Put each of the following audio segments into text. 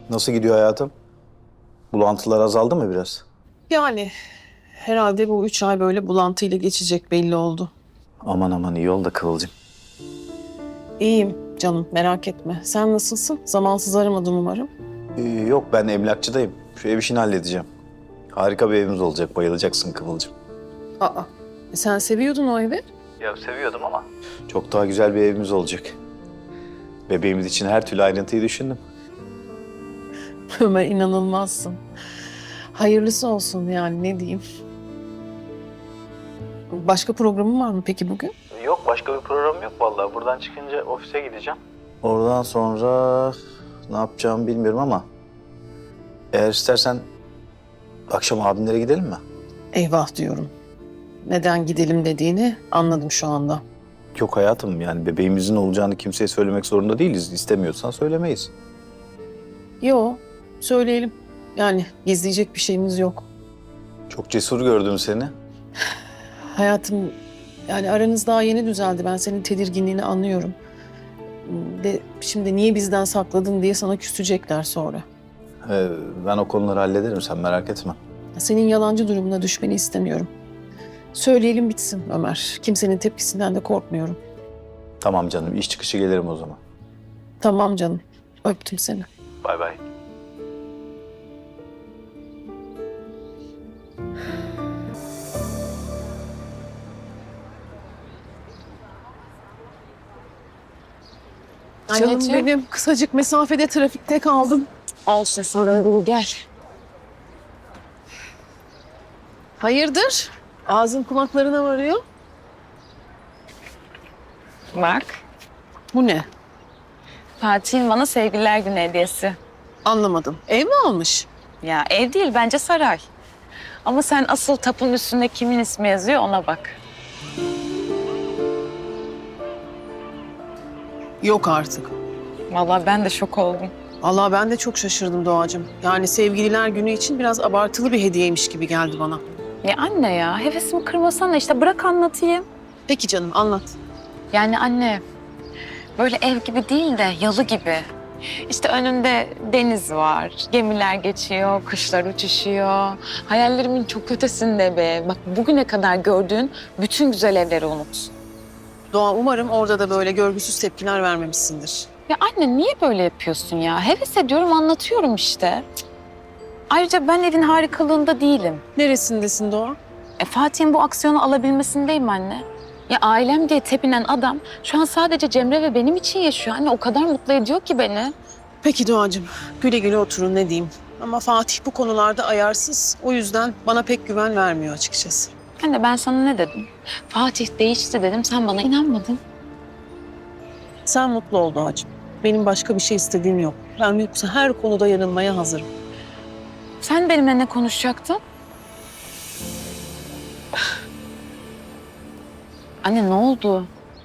Nasıl gidiyor hayatım? Bulantılar azaldı mı biraz? Yani herhalde bu 3 ay böyle bulantıyla geçecek belli oldu. Aman aman iyi ol da Kıvılcım. İyiyim canım merak etme. Sen nasılsın? Zamansız aramadın umarım. Yok ben emlakçıdayım. Şu ev işini halledeceğim. Harika bir evimiz olacak. Bayılacaksın Kıvılcım. Aa, sen seviyordun o evi. Ya seviyordum ama. Çok daha güzel bir evimiz olacak. Bebeğimiz için her türlü ayrıntıyı düşündüm. Ömer inanılmazsın. Hayırlısı olsun yani ne diyeyim. Başka programın var mı peki bugün? Yok başka bir program yok vallahi. Buradan çıkınca ofise gideceğim. Oradan sonra ne yapacağımı bilmiyorum ama eğer istersen akşam abimlere gidelim mi? Eyvah diyorum. Neden gidelim dediğini anladım şu anda. Yok hayatım yani bebeğimizin olacağını kimseye söylemek zorunda değiliz. İstemiyorsan söylemeyiz. Yo, söyleyelim. Yani gizleyecek bir şeyimiz yok. Çok cesur gördüm seni. Hayatım, yani aranız daha yeni düzeldi. Ben senin tedirginliğini anlıyorum. De şimdi niye bizden sakladın diye sana küsecekler sonra. Ben o konuları hallederim sen merak etme. Senin yalancı durumuna düşmeni istemiyorum. Söyleyelim bitsin Ömer. Kimsenin tepkisinden de korkmuyorum. Tamam canım iş çıkışı gelirim o zaman. Tamam canım. Öptüm seni. Bay bay. Canım Anneciğim. benim kısacık mesafede trafikte kaldım. Olsun sorun değil gel. Hayırdır? Ağzın kulaklarına varıyor. Bak. Bu ne? Fatih'in bana sevgililer günü hediyesi. Anlamadım. Ev mi almış? Ya ev değil bence saray. Ama sen asıl tapun üstünde kimin ismi yazıyor ona bak. Yok artık. Vallahi ben de şok oldum. Allah ben de çok şaşırdım Doğacığım. Yani sevgililer günü için biraz abartılı bir hediyeymiş gibi geldi bana. Ya anne ya hevesimi kırmasana işte bırak anlatayım. Peki canım anlat. Yani anne böyle ev gibi değil de yalı gibi. İşte önünde deniz var, gemiler geçiyor, kuşlar uçuşuyor. Hayallerimin çok ötesinde be. Bak bugüne kadar gördüğün bütün güzel evleri unut. Doğa umarım orada da böyle görgüsüz tepkiler vermemişsindir. Ya anne niye böyle yapıyorsun ya? Heves ediyorum anlatıyorum işte. Cık. Ayrıca ben evin harikalığında değilim. Neresindesin Doğa? Fatih'in bu aksiyonu alabilmesindeyim anne. Ya ailem diye tepinen adam şu an sadece Cemre ve benim için yaşıyor. Anne o kadar mutlu ediyor ki beni. Peki Doğacığım güle güle oturun ne diyeyim. Ama Fatih bu konularda ayarsız. O yüzden bana pek güven vermiyor açıkçası. Anne ben sana ne dedim? Fatih değişti dedim sen bana inanmadın. Sen mutlu ol Doğacığım. Benim başka bir şey istediğim yok. Ben yoksa her konuda yanılmaya hazırım. Sen benimle ne konuşacaktın? Anne ne oldu?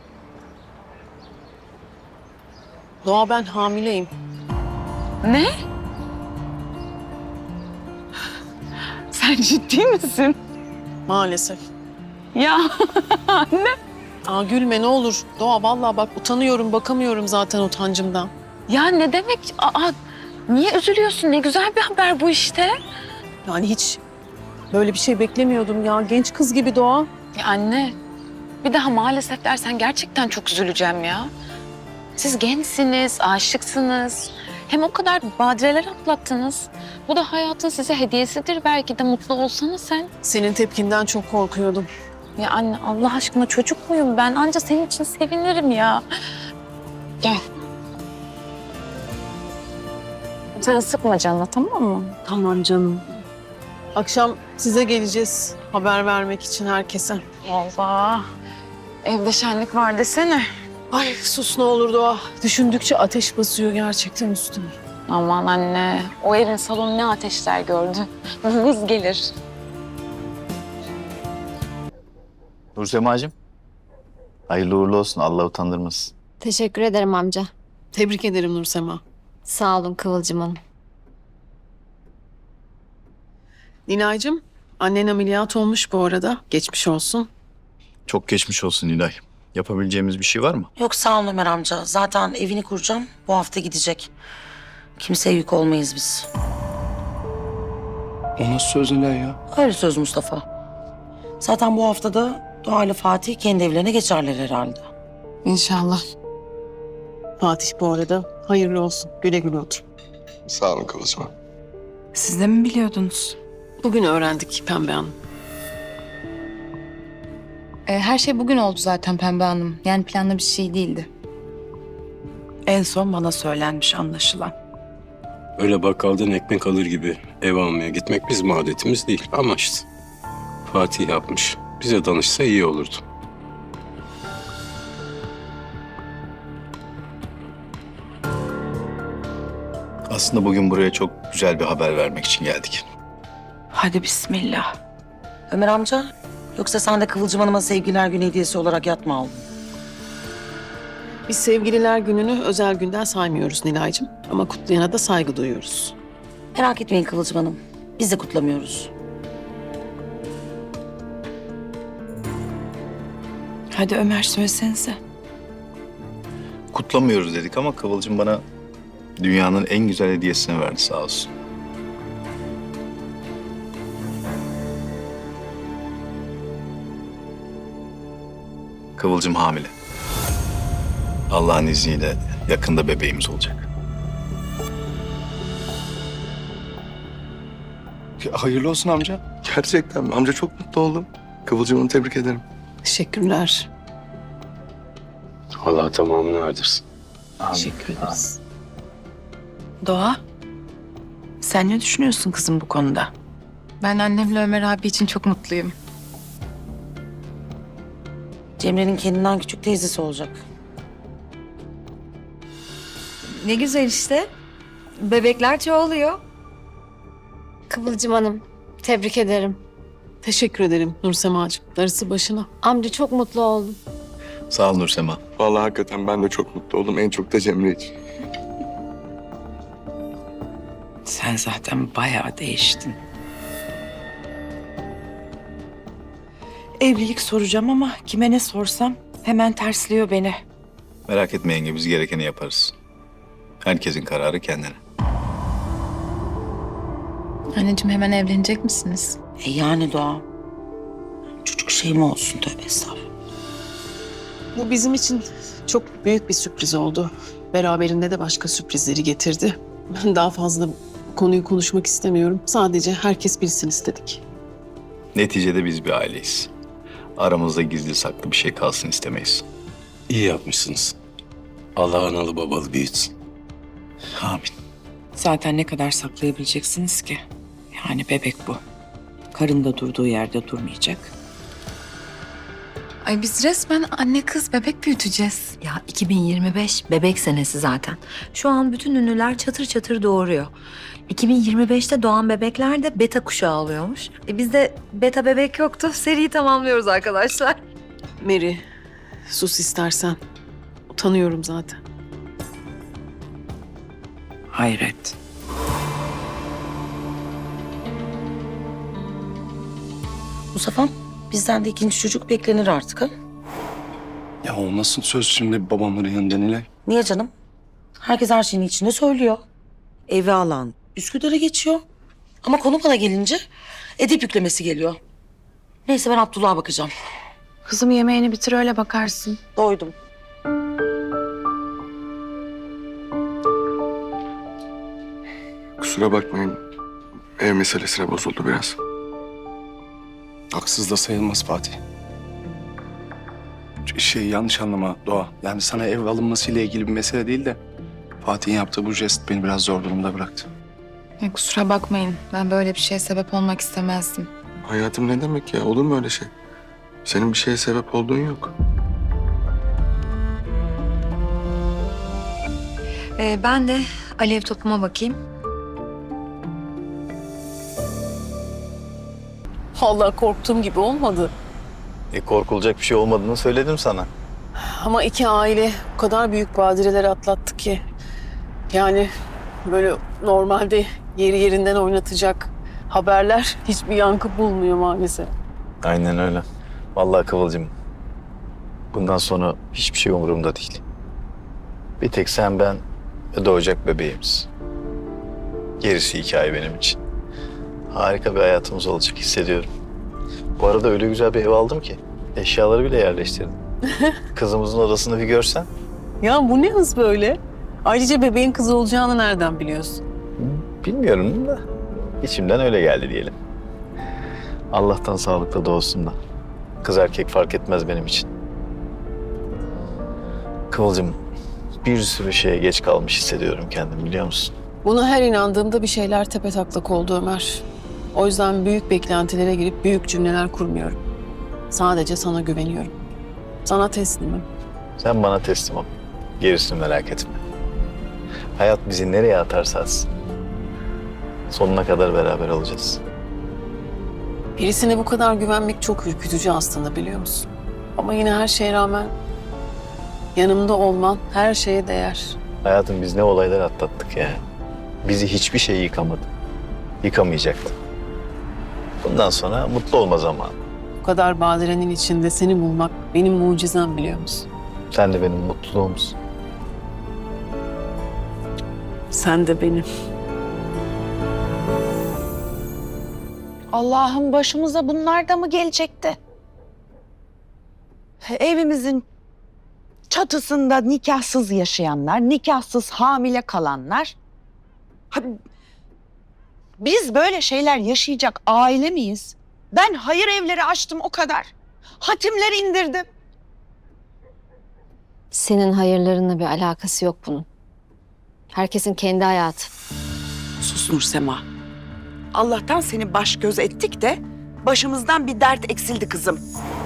Doğa ben hamileyim. Ne? Sen ciddi misin? Maalesef. Ya anne. Aa gülme ne olur. Doğa vallahi bak utanıyorum bakamıyorum zaten utancımdan. Ya ne demek? Niye üzülüyorsun? Ne güzel bir haber bu işte. Yani hiç böyle bir şey beklemiyordum ya. Genç kız gibi Doğa. Ya anne, bir daha maalesef dersen gerçekten çok üzüleceğim ya. Siz gençsiniz, aşıksınız. Hem o kadar badireler atlattınız. Bu da hayatın size hediyesidir. Belki de mutlu olsana sen. Senin tepkinden çok korkuyordum. Ya anne Allah aşkına çocuk muyum ben? Anca senin için sevinirim ya. Gel. Sen sıkma canına tamam mı? Tamam canım. Akşam size geleceğiz haber vermek için herkese. Allah. Evde şenlik var desene. Ay sus ne olur Doğa. Düşündükçe ateş basıyor gerçekten üstüme. Aman anne, o evin salonu ne ateşler gördü. Hız gelir. Nursemacığım. Hayırlı uğurlu olsun. Allah utandırmasın. Teşekkür ederim amca. Tebrik ederim Nursema. Sağ olun Kıvılcım Hanım. Nilay'cığım annen ameliyat olmuş bu arada. Geçmiş olsun. Çok geçmiş olsun Nilay. Yapabileceğimiz bir şey var mı? Yok sağ ol Ömer amca. Zaten evini kuracağım. Bu hafta gidecek. Kimseye yük olmayız biz. O nasıl söz Nilay ya? Öyle söz Mustafa. Zaten bu haftada Doğa ile Fatih kendi evlerine geçerler herhalde. İnşallah. Fatih bu arada hayırlı olsun. Güle güle otur. Sağ olun Kıvılcım Hanım. Siz de mi biliyordunuz? Bugün öğrendik Pembe Hanım. Her şey bugün oldu zaten Pembe Hanım. Yani planlı bir şey değildi. En son bana söylenmiş anlaşılan. Öyle bakkaldan ekmek alır gibi ev almaya gitmek bizim adetimiz değil. Ama işte Fatih yapmış. Bize danışsa iyi olurdu. Aslında bugün buraya çok güzel bir haber vermek için geldik. Hadi bismillah. Ömer amca, yoksa sen de Kıvılcım Hanım'a sevgiler günü hediyesi olarak yat mı aldın? Biz sevgililer gününü özel günden saymıyoruz Nilay'cığım. Ama kutlayana da saygı duyuyoruz. Merak etmeyin Kıvılcım Hanım. Biz de kutlamıyoruz. Hadi Ömer söylesenize. Kutlamıyoruz dedik ama Kıvılcım bana dünyanın en güzel hediyesini verdi sağ olsun. Kıvılcım hamile. Allah'ın izniyle yakında bebeğimiz olacak. Hayırlı olsun amca. Gerçekten mi? Amca çok mutlu oldum. Kıvılcım Hanım'ı tebrik ederim. Teşekkürler. Allah tamamını erdirsin. Teşekkür ederiz. Doğa, sen ne düşünüyorsun kızım bu konuda? Ben annemle Ömer abi için çok mutluyum. Cemre'nin kendinden küçük teyzesi olacak. Ne güzel işte. Bebekler çoğalıyor. Kıvılcım Hanım, tebrik ederim. Teşekkür ederim Nursemacığım. Darısı başına. Amca çok mutlu oldum. Sağ ol Nursema. Vallahi hakikaten ben de çok mutlu oldum. En çok da Cemre için. Sen zaten bayağı değiştin. Evlilik soracağım ama kime ne sorsam hemen tersliyor beni. Merak etme yenge biz gerekeni yaparız. Herkesin kararı kendine. Anneciğim hemen evlenecek misiniz? Yani Doğa. Çocuk şey mi olsun, tövbe estağfurullah. Bu bizim için çok büyük bir sürpriz oldu. Beraberinde de başka sürprizleri getirdi. Ben daha fazla konuyu konuşmak istemiyorum. Sadece herkes bilsin istedik. Neticede biz bir aileyiz. Aramızda gizli saklı bir şey kalsın istemeyiz. İyi yapmışsınız. Allah analı babalı büyütsün. Amin. Zaten ne kadar saklayabileceksiniz ki? Yani bebek bu. Karın da durduğu yerde durmayacak. Ay biz resmen anne kız bebek büyüteceğiz. Ya 2025 bebek senesi zaten. Şu an bütün ünlüler çatır çatır doğuruyor. 2025'te doğan bebekler de beta kuşağı oluyormuş. Bizde beta bebek yoktu. Seriyi tamamlıyoruz arkadaşlar. Mary, sus istersen. Utanıyorum zaten. Hayret. Mustafa, bizden de ikinci çocuk beklenir artık ha? Ya o nasıl söz şimdi babamların yanında Nilay? Niye canım? Herkes her şeyin içinde söylüyor. Evi alan Üsküdar'a geçiyor. Ama konu bana gelince edip yüklemesi geliyor. Neyse ben Abdullah'a bakacağım. Kızım yemeğini bitir öyle bakarsın. Doydum. Kusura bakmayın. Ev meselesine bozuldu biraz. Haksız da sayılmaz Fatih. Yanlış anlama Doğa. Yani sana ev alınmasıyla ilgili bir mesele değil de Fatih'in yaptığı bu jest beni biraz zor durumda bıraktı. Kusura bakmayın. Ben böyle bir şeye sebep olmak istemezdim. Hayatım ne demek ya? Olur mu öyle şey? Senin bir şeye sebep olduğun yok. Ben de alev topuma bakayım. Vallahi korktuğum gibi olmadı. Korkulacak bir şey olmadığını söyledim sana. Ama iki aile o kadar büyük badireler atlattı ki. Yani böyle normalde yeri yerinden oynatacak haberler hiçbir yankı bulmuyor maalesef. Aynen öyle. Vallahi Kıvılcım. Bundan sonra hiçbir şey umurumda değil. Bir tek sen, ben ve doğacak bebeğimiz. Gerisi hikaye benim için. Harika bir hayatımız olacak hissediyorum. Bu arada öyle güzel bir ev aldım ki eşyaları bile yerleştirdim. Kızımızın odasını bir görsen. Ya bu ne hız böyle? Ayrıca bebeğin kızı olacağını nereden biliyorsun? Bilmiyorum da içimden öyle geldi diyelim. Allah'tan sağlıklı doğsun da. Kız erkek fark etmez benim için. Kıvılcım, bir sürü şeye geç kalmış hissediyorum kendimi, biliyor musun? Buna her inandığımda bir şeyler tepetaklak oldu Ömer. O yüzden büyük beklentilere girip büyük cümleler kurmuyorum. Sadece sana güveniyorum. Sana teslimim. Sen bana teslim ol. Gerisini merak etme. Hayat bizi nereye atarsa atsın. Sonuna kadar beraber olacağız. Birisine bu kadar güvenmek çok ürkütücü aslında, biliyor musun? Ama yine her şeye rağmen yanımda olman her şeye değer. Hayatım, biz ne olaylar atlattık ya. Bizi hiçbir şey yıkamadı. Yıkamayacaktı. Bundan sonra mutlu olma zamanı. Bu kadar badirenin içinde seni bulmak benim mucizem, biliyor musun? Sen de benim mutluluğumsun. Sen de benim. Allah'ım, başımıza bunlar da mı gelecekti? Evimizin çatısında nikahsız yaşayanlar, nikahsız hamile kalanlar. Biz böyle şeyler yaşayacak aile miyiz? Ben hayır evleri açtım o kadar. Hatimler indirdim. Senin hayırlarınla bir alakası yok bunun. Herkesin kendi hayatı. Sus Nursema. Allah'tan seni baş göz ettik de başımızdan bir dert eksildi kızım.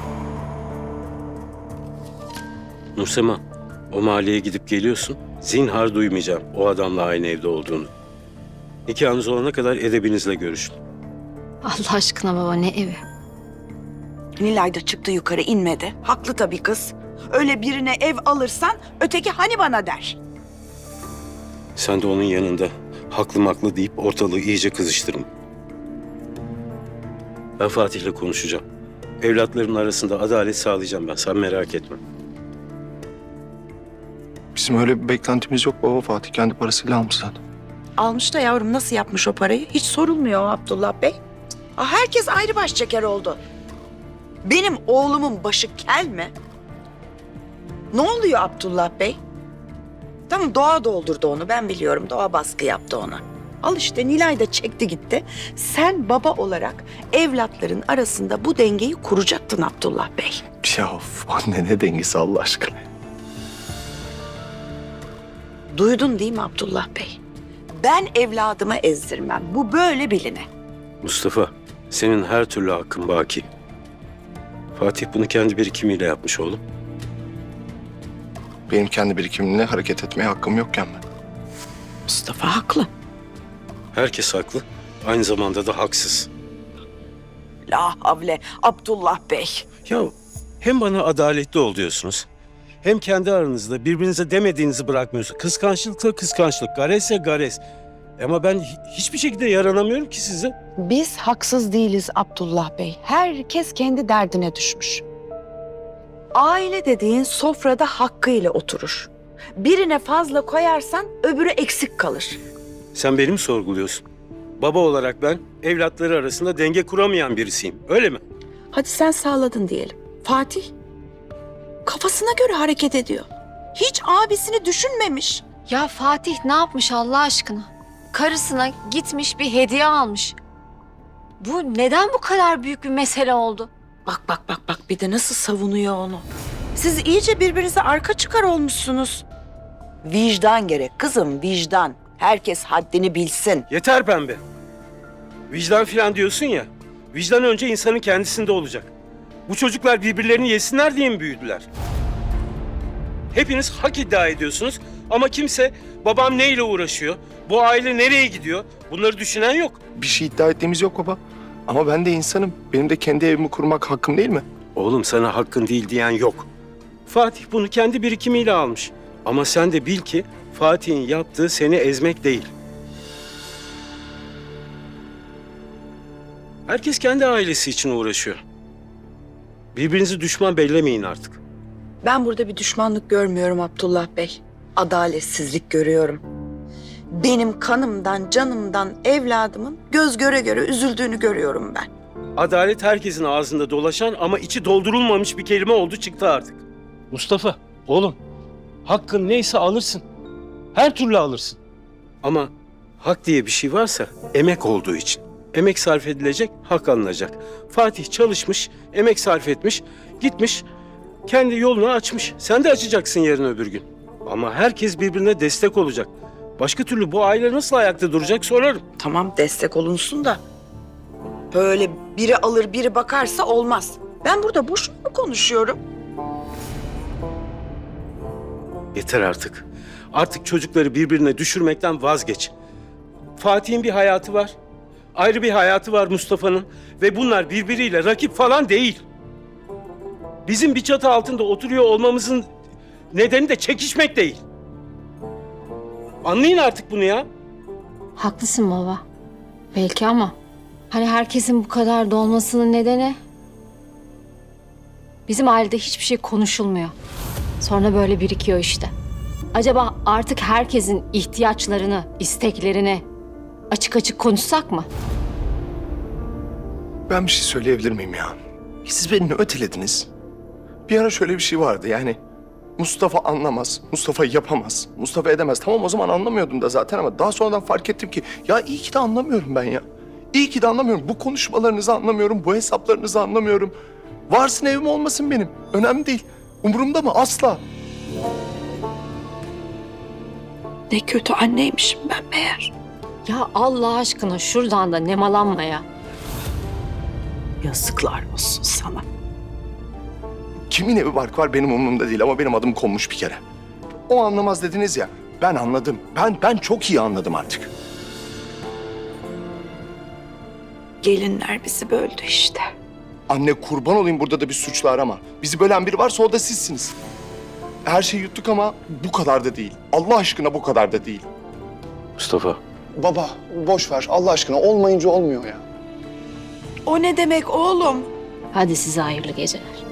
Nursema, o mahalleye gidip geliyorsun. Zinhar duymayacağım o adamla aynı evde olduğunu. Nikahınız olana kadar edebinizle görüşün. Allah aşkına baba, ne evi? Nilay da çıktı yukarı, inmedi. Haklı tabii kız. Öyle birine ev alırsan öteki hani bana der. Sen de onun yanında haklı maklı deyip ortalığı iyice kızıştırma. Ben Fatih'le konuşacağım. Evlatlarımın arasında adalet sağlayacağım ben. Sen merak etme. Bizim öyle bir beklentimiz yok baba. Fatih kendi parasıyla almış zaten. Almış da yavrum, nasıl yapmış o parayı? Hiç sorulmuyor Abdullah Bey. Herkes ayrı baş çeker oldu. Benim oğlumun başı kel mi? Ne oluyor Abdullah Bey? Tamam, Doğa doldurdu onu, ben biliyorum. Doğa baskı yaptı ona. Al işte, Nilay da çekti gitti. Sen baba olarak evlatların arasında bu dengeyi kuracaktın Abdullah Bey. Ya of, anne ne dengesi Allah aşkına. Duydun değil mi Abdullah Bey? Ben evladımı ezdirmem. Bu böyle biline. Mustafa, senin her türlü hakkın baki. Fatih bunu kendi birikimiyle yapmış oğlum. Benim kendi birikimimle hareket etmeye hakkım yokken ben. Mustafa haklı. Herkes haklı. Aynı zamanda da haksız. La havle Abdullah Bey. Ya hem bana adaletli ol diyorsunuz, hem kendi aranızda birbirinize demediğinizi bırakmıyorsunuz. Kıskançlıksa kıskançlık, garezse garez. Ama ben hiçbir şekilde yaranamıyorum ki size. Biz haksız değiliz Abdullah Bey. Herkes kendi derdine düşmüş. Aile dediğin sofrada hakkıyla oturur. Birine fazla koyarsan öbürü eksik kalır. Sen beni mi sorguluyorsun? Baba olarak ben evlatları arasında denge kuramayan birisiyim. Öyle mi? Hadi sen sağladın diyelim. Fatih kafasına göre hareket ediyor. Hiç abisini düşünmemiş. Ya Fatih ne yapmış Allah aşkına? Karısına gitmiş bir hediye almış. Bu neden bu kadar büyük bir mesele oldu? Bak bir de nasıl savunuyor onu. Siz iyice birbirinize arka çıkar olmuşsunuz. Vicdan gerek kızım, vicdan. Herkes haddini bilsin. Yeter pembe. Vicdan filan diyorsun ya. Vicdan önce insanın kendisinde olacak. Bu çocuklar birbirlerini yesinler diye mi büyüdüler? Hepiniz hak iddia ediyorsunuz ama kimse babam neyle uğraşıyor, bu aile nereye gidiyor bunları düşünen yok. Bir şey iddia ettiğimiz yok baba. Ama ben de insanım. Benim de kendi evimi kurmak hakkım değil mi? Oğlum sana hakkın değil diyen yok. Fatih bunu kendi birikimiyle almış. Ama sen de bil ki Fatih'in yaptığı seni ezmek değil. Herkes kendi ailesi için uğraşıyor. Birbirinizi düşman bellemeyin artık. Ben burada bir düşmanlık görmüyorum Abdullah Bey. Adaletsizlik görüyorum. Benim kanımdan, canımdan, evladımın göz göre göre üzüldüğünü görüyorum ben. Adalet herkesin ağzında dolaşan ama içi doldurulmamış bir kelime oldu çıktı artık. Mustafa, oğlum, hakkın neyse alırsın. Her türlü alırsın. Ama hak diye bir şey varsa emek olduğu için. Emek sarf edilecek, hak alınacak. Fatih çalışmış, emek sarf etmiş, gitmiş, kendi yolunu açmış. Sen de açacaksın yarın öbür gün. Ama herkes birbirine destek olacak. Başka türlü bu aile nasıl ayakta duracak sorarım. Tamam destek olunsun da böyle biri alır biri bakarsa olmaz. Ben burada boşuna mı konuşuyorum? Yeter artık. Artık çocukları birbirine düşürmekten vazgeç. Fatih'in bir hayatı var. Ayrı bir hayatı var Mustafa'nın. Ve bunlar birbiriyle rakip falan değil. Bizim bir çatı altında oturuyor olmamızın nedeni de çekişmek değil. Anlayın artık bunu ya. Haklısın baba. Belki ama hani herkesin bu kadar dolmasının nedeni bizim ailede hiçbir şey konuşulmuyor. Sonra böyle birikiyor işte. Acaba artık herkesin ihtiyaçlarını, isteklerini açık açık konuşsak mı? Ben bir şey söyleyebilir miyim ya? Siz beni ne ötelediniz? Bir ara şöyle bir şey vardı yani. Mustafa anlamaz, Mustafa yapamaz, Mustafa edemez. Tamam o zaman anlamıyordum da zaten ama daha sonradan fark ettim ki ya iyi ki de anlamıyorum ben ya. İyi ki de anlamıyorum. Bu konuşmalarınızı anlamıyorum, bu hesaplarınızı anlamıyorum. Varsın evim olmasın benim. Önemli değil. Umurumda mı? Asla. Ne kötü anneymişim ben meğer. Ya Allah aşkına şuradan da nemalanma ya. Yazıklar olsun sana. Kimin evi barkı var benim umurumda değil ama benim adım konmuş bir kere. O anlamaz dediniz ya. Ben anladım. Ben çok iyi anladım artık. Gelinler bizi böldü işte. Anne kurban olayım burada da bir suçlu arama. Bizi bölen biri varsa o da sizsiniz. Her şeyi yuttuk ama bu kadar da değil. Allah aşkına bu kadar da değil. Mustafa. Baba boş ver Allah aşkına olmayınca olmuyor ya. O ne demek oğlum? Hadi size hayırlı geceler.